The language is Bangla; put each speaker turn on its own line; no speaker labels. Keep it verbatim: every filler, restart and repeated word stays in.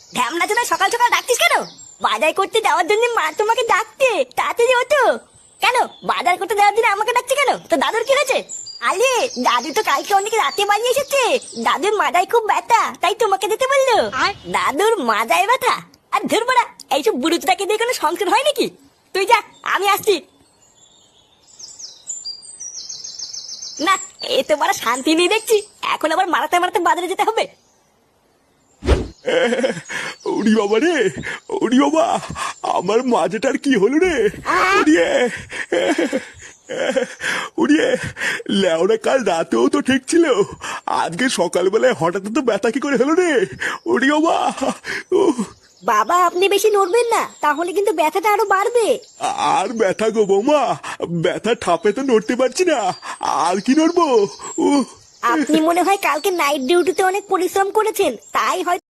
ঢ্যামনা চোদা সকাল সকাল ডাকতিস কেন? বাজার করতে যাওয়ার জন্য মা তোমাকে ডাকতে তাড়াতাড়ি হতো কেন? বাজার করতে যাওয়ার জন্য আমাকে ডাকছে কেন? তো দাদুর কি হয়েছে? আরে দাদু তো কালকে অনেক রাতে বাড়ি এসেছে। দাদুর মাজায় খুব ব্যথা, তাই তোমাকে দিতে বললো। দাদুর মাজায় ব্যথা? আর ধরবড়া, এইসব বুড়ুটাকে দিয়ে কোনো সংসার হয় নাকি? তুই যা, আমি আসছি। না, এ তো বড় শান্তি নেই দেখছি। এখন আবার মারাতে মারাতে বাজারে যেতে হবে।
ওরি বাবা রে, ওরি বাবা, আমার মাজাটার কি হলো রে? উড়িয়ে উড়িয়ে লেওরা, কাল রাতেও তো ঠিক ছিল, আজকে সকালবেলায় হঠাৎ তো ব্যথা কি করে হলো রে? ওরি বাবা, উহ,
বাবা আপনি বেশি নড়বেন না, তাহলে কিন্তু ব্যথাটা আরো বাড়বে।
আর ব্যথা গো বৌমা, ব্যথা ঠাপে তো নড়তে পারছি না, আর কি নড়বো? উহ
আপনি মনে হয় কালকে নাইট ডিউটিতে অনেক পরিশ্রম করেছেন, তাই হয়তো